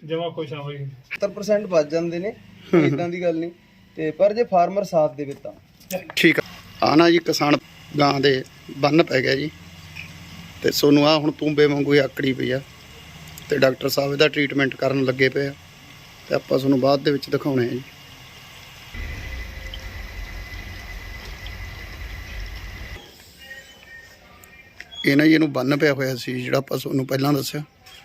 ਜਮਾ ਖੁਸ਼ ਹਾਂ ਬਾਈ। 70% ਬਚ ਜਾਂਦੇ ਨੇ, ਇਦਾਂ ਦੀ ਗੱਲ ਨਹੀਂ ਤੇ ਪਰ ਜੇ ਫਾਰਮਰ ਸਾਥ ਦੇਵੇ ਤਾਂ ਠੀਕ ਆ ਨਾ ਜੀ। ਕਿਸਾਨ ਗਾਂ ਦੇ ਬੰਨ ਪੈ ਗਿਆ ਜੀ ਤੇ ਸੋਨੂੰ ਆ ਹੁਣ ਤੂੰਬੇ ਵਾਂਗੂ ਹੀ ਆਕੜੀ ਪਈ ਆ ਤੇ ਡਾਕਟਰ ਸਾਹਿਬ ਇਹਦਾ ਟ੍ਰੀਟਮੈਂਟ ਕਰਨ ਲੱਗੇ ਪਏ ਆ ਤੇ ਆਪਾਂ ਤੁਹਾਨੂੰ ਬਾਅਦ ਦੇ ਵਿੱਚ ਦਿਖਾਉਣੇ ਆ ਜੀ। ਇਹ ਨਾ ਜੀ ਇਹਨੂੰ ਬੰਨ ਪਿਆ ਹੋਇਆ ਸੀ ਜਿਹੜਾ ਆਪਾਂ ਤੁਹਾਨੂੰ ਪਹਿਲਾਂ ਦੱਸਿਆ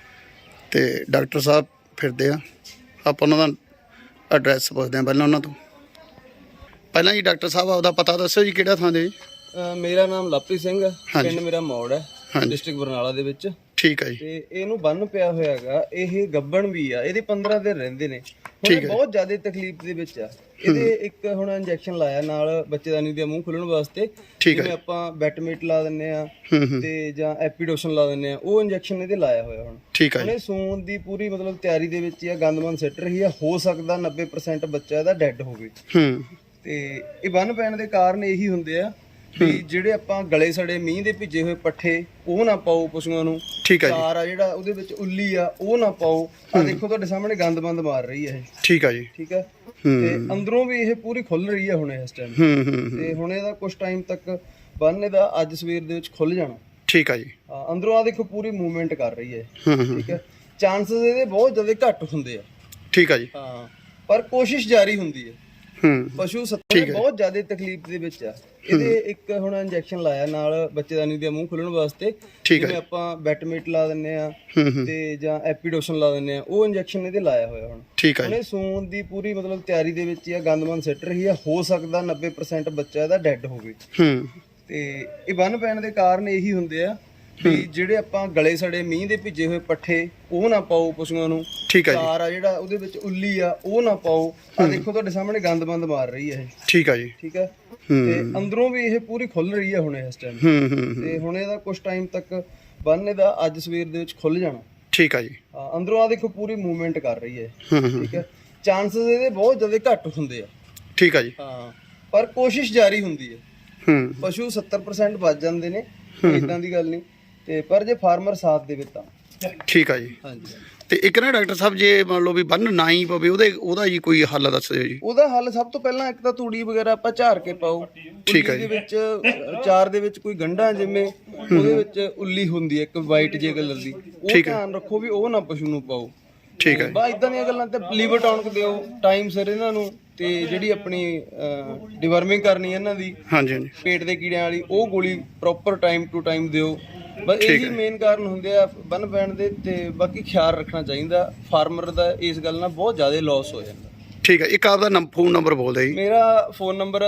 ਤੇ ਡਾਕਟਰ ਸਾਹਿਬ ਫਿਰਦੇ ਆ। ਆਪਾਂ ਉਹਨਾਂ ਦਾ ਐਡਰੈਸ ਪੁੱਛਦੇ ਆ ਪਹਿਲਾਂ ਉਹਨਾਂ ਤੋਂ। ਪਹਿਲਾਂ ਜੀ ਡਾਕਟਰ ਸਾਹਿਬ ਆਪਦਾ ਪਤਾ ਦੱਸੋ ਜੀ, ਕਿਹੜਾ ਥਾਂ ਦੇ? ਮੇਰਾ ਨਾਮ ਲਵਪ੍ਰੀਤ ਸਿੰਘ ਹੈ, ਹਾਂਜੀ। ਪਿੰਡ ਮੇਰਾ ਮੌੜ ਹੈ, ਹਾਂਜੀ। ਡਿਸਟ੍ਰਿਕਟ ਬਰਨਾਲਾ ਦੇ ਵਿੱਚ। ਠੀਕ ਹੈ ਜੀ। ਤੇ ਇਹਨੂੰ ਬੰਨ ਪਿਆ ਹੋਇਆ ਹੈਗਾ, ਇਹ ਗੱਬਣ ਵੀ ਆ, ਇਹਦੇ 15 ਦਿਨ ਰਹਿੰਦੇ ਨੇ। ਹੁਣ ਠੀਕ ਇਹ ਹੈ। ਬਹੁਤ ਜ਼ਿਆਦਾ ਤਕਲੀਫ ਦੇ ਵਿੱਚ ਆ। ਇਹਦੇ ਇੱਕ ਹੁਣ ਇੰਜੈਕਸ਼ਨ ਲਾਇਆ ਨਾਲ ਬੱਚੇਦਾਨੀ ਦਾ ਮੂੰਹ ਖੁੱਲਣ ਵਾਸਤੇ। ਠੀਕ ਹੈ। ਜਿਵੇਂ ਆਪਾਂ ਬੈਟਮੇਟ ਲਾ ਦਿੰਨੇ ਆ ਹੂੰ। ਤੇ ਜਾਂ ਐਪੀਡੋਸ਼ਨ ਲਾ ਦਿੰਨੇ ਆ, ਉਹ ਇੰਜੈਕਸ਼ਨ ਇਹਦੇ ਲਾਇਆ ਹੋਇਆ ਹੁਣ। ਠੀਕ ਹੈ ਹੁਣ ਇਹ ਸੂਣ ਦੀ ਪੂਰੀ ਮਤਲਬ ਤਿਆਰੀ ਦੇ ਵਿੱਚ ਹੀ ਆ, ਗੰਦਮੰਦ ਸਿੱਟ ਰਹੀ ਆ। ਹੋ ਸਕਦਾ 90% ਬੱਚਾ ਇਹਦਾ ਡੈੱਡ ਹੋਵੇ। ਹੂੰ। ਤੇ ਇਹ ਬੰਨ ਪੈਣ ਦੇ ਕਾਰਨ ਇਹੀ ਹੁੰਦੇ ਆ ਵੀ ਜਿਹੜੇ ਆਪਾਂ ਗਲੇ ਸੜੇ ਮੀਂਹ ਦੇ ਭਿੱਜੇ ਹੋਏ ਪੱਠੇ ਉਹ ਨਾ ਪਾਓ ਪਸ਼ੂਆਂ ਨੂੰ। ਠੀਕ ਹੈ ਜੀ। ਚਾਰ ਆ ਜਿਹੜਾ ਉਹਦੇ ਵਿੱਚ ਉੱਲੀ ਆ ਉਹ ਨਾ ਪਾਓ। ਆ ਦੇਖੋ ਤੁਹਾਡੇ ਸਾਹਮਣੇ ਗੰਦ ਬੰਦ ਮਾਰ ਰਹੀ ਹੈ ਇਹ। ਠੀਕ ਹੈ ਜੀ। ਠੀਕ ਹੈ। ਤੇ ਅੰਦਰੋਂ ਵੀ ਇਹ ਪੂਰੀ ਖੁੱਲ ਰਹੀ ਹੈ ਹੁਣ ਇਸ ਟਾਈਮ। ਹੂੰ। ਤੇ ਹੁਣ ਇਹਦਾ ਕੁਝ ਟਾਈਮ ਤੱਕ ਬੰਨ ਇਹਦਾ ਅੱਜ ਸਵੇਰ ਦੇ ਵਿੱਚ ਖੁੱਲ ਜਾਣਾ। ਠੀਕ ਹੈ ਜੀ। ਅੰਦਰੋਂ ਆ ਦੇਖੋ ਪੂਰੀ ਮੂਵਮੈਂਟ ਕਰ ਰਹੀ ਹੈ। ਹੂੰ। ਠੀਕ ਹੈ। ਚਾਂਸਸ ਇਹਦੇ ਬਹੁਤ ਜ਼ਿਆਦਾ ਘੱਟ ਹੁੰਦੇ ਆ। ਠੀਕ ਹੈ ਜੀ। ਹਾਂ, ਪਰ ਕੋਸ਼ਿਸ਼ ਜਾਰੀ ਹੁੰਦੀ ਹੈ। ਹੂੰ। ਪਸ਼ੂ 70 ਬਹੁਤ ਜ਼ਿਆਦਾ ਤਕਲੀਫ ਦੇ ਵਿੱਚ ਆ। ਇਹਦੇ ਇੱਕ ਹੁਣ ਇੰਜੈਕਸ਼ਨ ਲਾਇਆ ਨਾਲ ਬੱਚੇਦਾਨੀ ਦਾ ਮੂੰਹ ਖੁੱਲਣ ਵਾਸਤੇ। ਜਿਵੇਂ ਆਪਾਂ ਬੈਟਮੇਟ ਲਾ ਦਿੰਨੇ ਆ ਤੇ ਜਾਂ ਐਪੀਡੋਸ਼ਨ ਲਾ ਦਿੰਨੇ ਆ, ਉਹ ਇੰਜੈਕਸ਼ਨ ਇਹਦੇ ਲਾਇਆ ਹੋਇਆ ਹੁਣ। ਠੀਕ ਹੈ। ਹੁਣ ਇਹ ਸੂਣ ਦੀ ਪੂਰੀ ਮਤਲਬ ਤਿਆਰੀ ਦੇ ਵਿੱਚ ਹੀ ਆ, ਗੰਦਮੰਦ ਸਿੱਟ ਰਹੀ ਆ। ਹੋ ਸਕਦਾ 90% ਬੱਚਾ ਇਹਦਾ ਡੈੱਡ ਹੋਵੇ। ਹੂੰ। ਤੇ ਇਹ ਬੰਨ ਪੈਣ ਦੇ ਕਾਰਨ ਇਹੀ ਹੁੰਦੇ ਆ ਵੀ ਜਿਹੜੇ ਆਪਾਂ ਗਲੇ ਸੜੇ ਮੀਂਹ ਦੇ ਭਿੱਜੇ ਹੋਏ ਪੱਠੇ ਉਹ ਨਾ ਪਾਓ ਪਸ਼ੂਆਂ ਨੂੰ। ਠੀਕ ਹੈ ਜੀ। ਚਾਰ ਆ ਜਿਹੜਾ ਉਹਦੇ ਵਿੱਚ ਉੱਲੀ ਆ ਉਹ ਨਾ ਪਾਓ। ਆ ਦੇਖੋ ਤੁਹਾਡੇ ਸਾਹਮਣੇ ਗੰਦ ਬੰਦ ਮਾਰ ਰਹੀ ਹੈ ਇਹ। ਠੀਕ ਹੈ ਜੀ। ਠੀਕ ਹੈ। ਤੇ ਅੰਦਰੋਂ ਵੀ ਇਹ ਪੂਰੀ ਖੁੱਲ ਰਹੀ ਹੈ ਹੁਣ ਇਸ ਟਾਈਮ। ਹੂੰ। ਤੇ ਹੁਣ ਇਹਦਾ ਕੁਝ ਟਾਈਮ ਤੱਕ ਬੰਨ ਇਹਦਾ ਅੱਜ ਸਵੇਰ ਦੇ ਵਿੱਚ ਖੁੱਲ ਜਾਣਾ। ਠੀਕ ਹੈ ਜੀ। ਅੰਦਰੋਂ ਆ ਦੇਖੋ ਪੂਰੀ ਮੂਵਮੈਂਟ ਕਰ ਰਹੀ ਹੈ। ਹੂੰ। ਠੀਕ ਹੈ। ਚਾਂਸਸ ਇਹਦੇ ਬਹੁਤ ਜ਼ਿਆਦਾ ਘੱਟ ਹੁੰਦੇ ਆ। ਠੀਕ ਹੈ ਜੀ। ਹਾਂ, ਪਰ ਕੋਸ਼ਿਸ਼ ਜਾਰੀ ਹੁੰਦੀ ਹੈ। ਹੂੰ। ਪਸ਼ੂ 70% ਬਚ ਜਾਂਦੇ ਨੇ, ਇਦਾਂ ਦੀ ਗੱਲ ਨਹੀਂ ਤੇ ਪਰ ਜੇ ਫਾਰਮਰ ਸਾਥ ਦੇਵੇ ਤਾਂ ਠੀਕ ਹੈ ਜੀ। ਹਾਂਜੀ। ਤੇ ਇੱਕ ਨਾ ਡਾਕਟਰ ਸਾਹਿਬ ਜੇ ਮੰਨ ਲਓ ਵੀ ਬੰਨ ਨਾ ਹੀ ਪਵੇ ਉਹਦਾ ਜੀ ਕੋਈ ਹੱਲ ਦੱਸ ਦਿਓ ਜੀ। ਉਹਦਾ ਹੱਲ ਸਭ ਤੋਂ ਪਹਿਲਾਂ ਇੱਕ ਤਾਂ ਤੂੜੀ ਵਗੈਰਾ ਆਪਾਂ ਝਾੜ ਕੇ ਪਾਓ। ਠੀਕ ਹੈ ਉੱਲੀ ਦੇ ਵਿੱਚ ਚਾਰ ਦੇ ਵਿੱਚ ਕੋਈ ਗੰਢਾ ਜਿਵੇਂ ਉਹਦੇ ਵਿੱਚ ਉੱਲੀ ਹੁੰਦੀ ਹੈ ਇੱਕ ਵਾਈਟ ਜੇ ਕਲਰ ਦੀ, ਉਹ ਧਿਆਨ ਰੱਖੋ ਵੀ ਉਹ ਨਾ ਪਸ਼ੂ ਨੂੰ ਪਾਓ। ਠੀਕ ਹੈ। ਬਾ ਇਦਾਂ ਦੀਆਂ ਗੱਲਾਂ ਤੇ ਲੀਵਰ ਟੌਨਿਕ ਦਿਓ ਟਾਈਮ ਸਿਰ ਇਹਨਾਂ ਨੂੰ। ਤੇ ਜਿਹੜੀ ਆਪਣੀ ਡਿਵਰਮਿੰਗ ਕਰਨੀ ਇਹਨਾਂ ਦੀ ਹਾਂਜੀ ਹਾਂਜੀ। ਪੇਟ ਦੇ ਕੀੜਿਆਂ ਵਾਲੀ, ਉਹ ਗੋਲੀ ਪ੍ਰੋਪਰ ਟਾਈਮ ਟੂ ਟਾਈਮ ਦਿਓ। ਬਸ ਇਹੀ ਮੇਨ ਕਾਰਨ ਹੁੰਦੇ ਆ ਬੰਨ ਪੈਣ ਦੇ। ਤੇ ਬਾਕੀ ਖਿਆਲ ਰੱਖਣਾ ਚਾਹੀਦਾ ਫਾਰਮਰ ਦਾ, ਇਸ ਗੱਲ ਨਾਲ ਬਹੁਤ ਜ਼ਿਆਦਾ ਲਾਸ ਹੋ ਜਾਂਦਾ। ਠੀਕ ਹੈ। ਇੱਕ ਆਪਦਾ ਫੋਨ ਨੰਬਰ ਬੋਲ ਦਿਓ ਜੀ। ਮੇਰਾ ਫੋਨ ਨੰਬਰ ਹੈ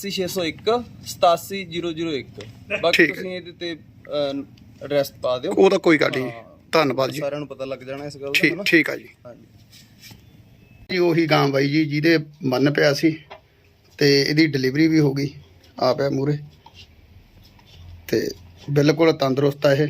83601 87001। ਬਾਕੀ ਤੁਸੀਂ ਇਹਦੇ ਤੇ ਐਡਰੈਸ ਪਾ ਦਿਓ। ਉਹਦਾ ਕੋਈ ਗੱਲ ਨਹੀਂ। ਧੰਨਵਾਦ ਜੀ। ਸਾਰਿਆਂ ਨੂੰ ਪਤਾ ਲੱਗ ਜਾਣਾ ਇਸ ਗੱਲ ਦਾ। ਠੀਕ ਆ ਜੀ। ਹਾਂਜੀ ਜੀ ਉਹੀ ਗਾਂ ਬਾਈ ਜੀ ਜਿਹਦੇ ਬੰਨ ਪਿਆ ਸੀ ਤੇ ਇਹਦੀ ਡਿਲੀਵਰੀ ਵੀ ਹੋ ਗਈ। ਆ ਪਿਆ ਮੂਰੇ ਤੇ ਬਿਲਕੁਲ ਤੰਦਰੁਸਤ ਆ ਇਹ।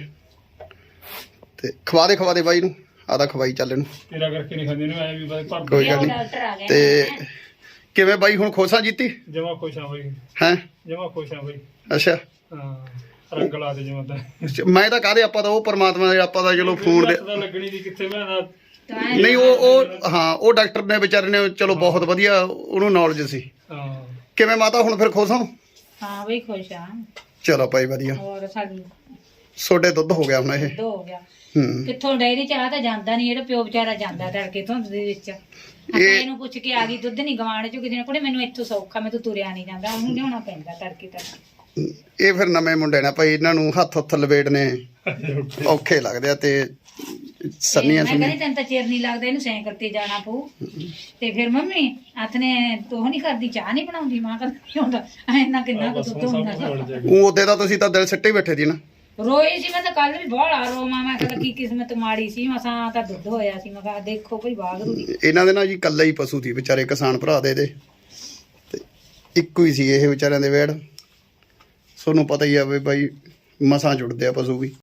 ਤੇ ਖਵਾ ਦੇ ਬਾਈ ਨੂੰ, ਆਦਾ ਖਵਾਈ ਚੱਲ ਇਹਨੂੰ। ਤੇਰਾ ਕਰਕੇ ਨਹੀਂ ਖਾਂਦੇ ਨੇ ਆਏ ਵੀ ਬਾਈ ਭਰ। ਕੋਈ ਗੱਲ ਨਹੀਂ। ਤੇ ਕਿਵੇਂ ਬਾਈ ਹੁਣ ਖੁਸ਼ ਆ ਜੀਤੀ? ਜਮਾ ਖੁਸ਼ ਹਾਂ ਬਾਈ। ਹੈਂ? ਜਮਾ ਖੁਸ਼ ਹਾਂ ਬਾਈ। ਅੱਛਾ। ਹਾਂ, ਰੰਗ ਲਾ ਦੇ ਜਮਾ ਤਾਂ। ਮੈਂ ਤਾਂ ਕਾਹਦੇ, ਆਪਾਂ ਤਾਂ ਉਹ ਪਰਮਾਤਮਾ ਦੇ, ਆਪਾਂ ਤਾਂ ਚਲੋ ਫੋਨ ਦੇ ਲੱਗਣੀ ਦੀ ਕਿੱਥੇ ਮੈਂ ਨਹੀਂ। ਉਹ ਹਾਂ, ਉਹ ਡਾਕਟਰ ਨੇ ਵਿਚਾਰੇ ਨੇ ਚਲੋ ਬਹੁਤ ਵਧੀਆ ਉਹਨੂੰ ਨੌਲੇਜ ਸੀ। ਹਾਂ। ਕਿਵੇਂ ਮਾਤਾ ਹੁਣ ਫਿਰ ਖੁਸ਼ ਹੋ? ਹਾਂ ਬਈ ਖੁਸ਼ ਆ। ਚਲੋ ਭਾਈ ਵਧੀਆ। ਹੋਰ ਸਾਡੀ ਛੋਟੇ ਦੁੱਧ ਹੋ ਗਿਆ ਹੁਣ ਇਹ। ਦੁੱਧ ਹੋ ਗਿਆ। ਹੂੰ। ਕਿੱਥੋਂ ਡੈਰੀ ਚ ਆ ਤਾਂ ਜਾਂਦਾ ਨਹੀਂ, ਜਿਹੜਾ ਪਿਓ ਵਿਚਾਰਾ ਜਾਂਦਾ ਤੜਕੇ ਧੁੰਦ ਦੇ ਵਿੱਚ। ਇਹਨੂੰ ਪੁੱਛ ਕੇ ਆ ਗਈ ਦੁੱਧ ਨਹੀਂ ਗਵਾਣ ਚੋਂ ਕਿਸੇ ਨੇ। ਕੋੜੇ ਮੈਨੂੰ ਇੱਥੋਂ ਸੌਖਾ, ਮੈਂ ਤਾਂ ਤੁਰਿਆ ਨਹੀਂ ਜਾਂਦਾ, ਉਹਨੂੰ ਲਿਆਉਣਾ ਪੈਂਦਾ ਤੜਕੇ ਤੱਕ। ਇਹ ਫਿਰ ਨਵੇਂ ਮੁੰਡੇ ਨੇ ਭਾਈ, ਇਹਨਾਂ ਨੂੰ ਹੱਥ ਲਵੇੜਨੇ ਔਖੇ ਲੱਗਦੇ ਆ। ਤੇ ਸੰਨੀਆਂ ਮੈਂ ਕਹਿੰਦੀ ਤੈਨੂੰ ਤਾਂ ਚਿਰ ਨਹੀਂ ਲੱਗਦਾ, ਇਹਨੂੰ ਸਾਈਕਲ ਤੇ ਜਾਣਾ ਪਊ। ਤੇ ਫਿਰ ਮੰਮੀ ਹੱਥ ਨੇ ਤੂੰ ਨਹੀਂ ਕਰਦੀ, ਚਾਹ ਨਹੀਂ ਬਣਾਉਂਦੀ। ਮਾਂ ਕਹਿੰਦੀ ਹੁੰਦਾ ਇੰਨਾ ਕਿੰਨਾ ਕੁ ਦੁੱਧ ਹੁੰਦਾ। ਉਹ ਉਹਦੇ ਦਾ ਤੁਸੀਂ ਤਾਂ ਦਿਲ ਸਿੱਟੇ ਬੈਠੇ ਸੀ ਨਾ। ਰੋਈ ਸੀ ਮੈਂ ਤਾਂ ਕੱਲ ਵੀ ਬਹੁਤ ਆ ਰੋਵਾਂ। ਮੈਂ ਕਿਹਾ ਕੀ ਕਿਸਮਤ ਮਾੜੀ ਸੀ, ਮਸਾਂ ਤਾਂ ਦੁੱਧ ਹੋਇਆ ਸੀ। ਮੈਂ ਕਿਹਾ ਦੇਖੋ ਕੋਈ ਵਾਗਰੂ ਦੀ। ਇਹਨਾਂ ਦੇ ਨਾਲ ਜੀ ਕੱਲਾ ਹੀ ਪਸ਼ੂ ਸੀ ਵਿਚਾਰੇ, ਕਿਸਾਨ ਭਰਾ ਦੇ ਤੇ ਇੱਕੋ ਹੀ ਸੀ ਇਹ ਵਿਚਾਰਿਆਂ ਦੇ ਵੇੜ। ਤੁਹਾਨੂੰ ਪਤਾ ਹੀ ਆ ਵੀ ਬਾਈ ਮਸਾਂ ਜੁੜਦੇ ਆ ਪਸ਼ੂ ਵੀ।